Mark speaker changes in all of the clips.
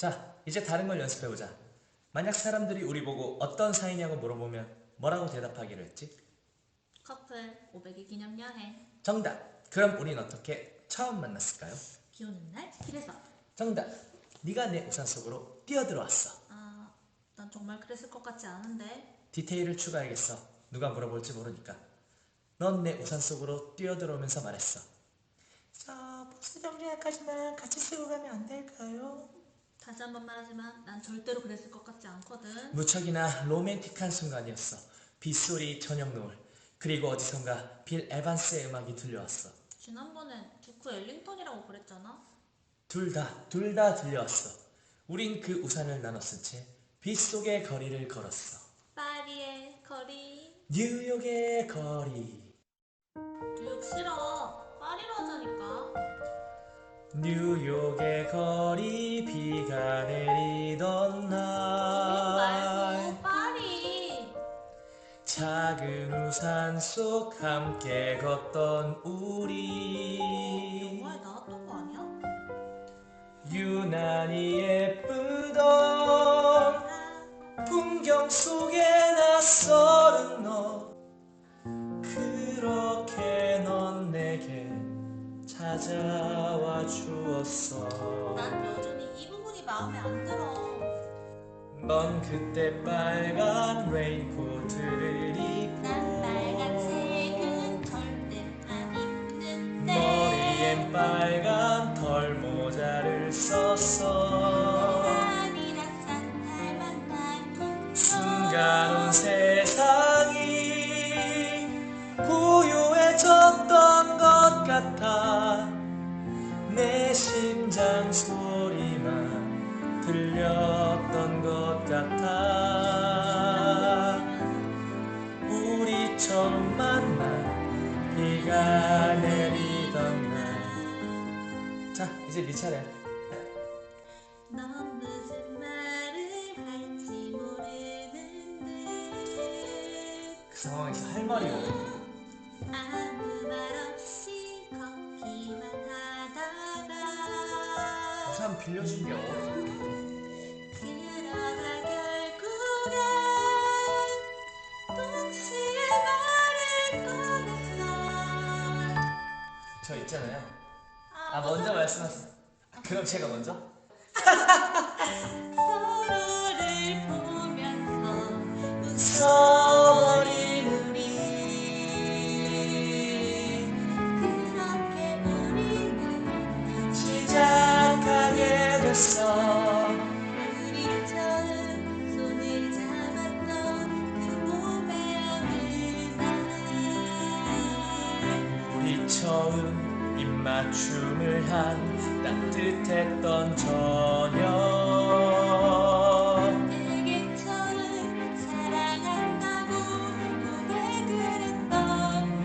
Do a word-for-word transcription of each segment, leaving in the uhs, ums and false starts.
Speaker 1: 자, 이제 다른 걸 연습해보자. 만약 사람들이 우리 보고 어떤 사이냐고 물어보면 뭐라고 대답하기로 했지?
Speaker 2: 커플 오백 일 기념 여행.
Speaker 1: 정답! 그럼 우린 어떻게 처음 만났을까요?
Speaker 2: 비 오는 날 길에서.
Speaker 1: 정답! 네가 내 우산 속으로 뛰어들어왔어.
Speaker 2: 아, 난 정말 그랬을 것 같지 않은데.
Speaker 1: 디테일을 추가해야겠어. 누가 물어볼지 모르니까. 넌 내 우산 속으로 뛰어들어오면서 말했어. 저 버스 정류장까지만 같이 쓰고 가면 안 될까요?
Speaker 2: 다시 한 번 말하지만 난 절대로 그랬을 것 같지 않거든.
Speaker 1: 무척이나 로맨틱한 순간이었어. 빗소리, 저녁 노을, 그리고 어디선가 빌 에반스의 음악이 들려왔어.
Speaker 2: 지난번엔 두크 엘링턴이라고 그랬잖아.
Speaker 1: 둘 다, 둘 다 들려왔어. 우린 그 우산을 나눠 쓴 채 빗속의 거리를 걸었어.
Speaker 2: 파리의 거리.
Speaker 1: 뉴욕의 거리.
Speaker 2: 뉴욕 싫어. 파리로 하자니까.
Speaker 1: 뉴욕의 거리, 비가 내리던
Speaker 2: 뉴욕
Speaker 1: 날
Speaker 2: 말고 파리.
Speaker 1: 작은 우산 속 함께 걷던 우리
Speaker 2: 영화에 나왔던 거 아니야?
Speaker 1: 유난히 예쁘던 풍경 속에 낯설은 너 그렇게 넌 내게 찾아와 주었어.
Speaker 2: 난 여전히 이 부분이 마음에 안 들어.
Speaker 1: 넌 그때 빨간 레인코트를 입고
Speaker 2: 난 빨간색은 절대 안 입는데.
Speaker 1: 머리엔 빨간 털모자를 썼어.
Speaker 2: 아니라 산타를 만난 풍경.
Speaker 1: 순간 온 세상이 고요해졌던 것 같아. 내 심장 소리만 들렸던 것 같아. 우리 처음 만난 비가 내리던 날. 자, 이제 네 차례야.
Speaker 2: 넌 무슨 말을 할지 모르는 듯
Speaker 1: 그 상황에서 할 말이 없어.
Speaker 2: 아무 말 없이 걷기만 하다가
Speaker 1: 우산 빌려준 게 어디?
Speaker 2: 그러다 결국엔 동시에 말을 꺼냈어.
Speaker 1: 저 있잖아요.
Speaker 2: 아,
Speaker 1: 아, 먼저 말씀하세요. 그럼 제가 먼저?
Speaker 2: 서로를 보면서
Speaker 1: 서버린 우리
Speaker 2: 그렇게 우리는
Speaker 1: 시작하게 됐어.
Speaker 2: 우리 처음 손을 잡았던 그 봄의 어느 날.
Speaker 1: 우리 처음 입맞춤을 한 따뜻했던 저녁.
Speaker 2: 내게 처음 사랑한다고 고백을 했던 날.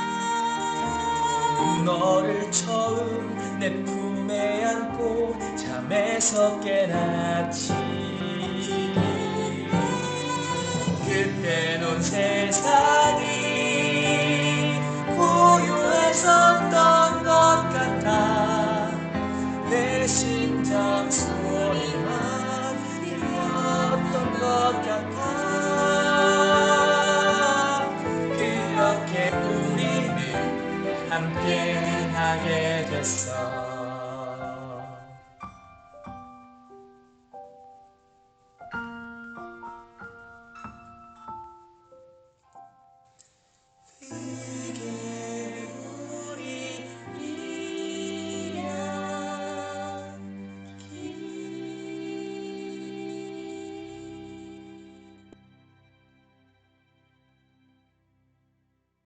Speaker 1: 너를 처음 내 품에 안고 잠에서 깨났지. 그때 넌 세상이 고요했었던 것 같아. 내 심장 소리만 들렸던 것 같아. 그렇게 우리는 함께 하게 됐어.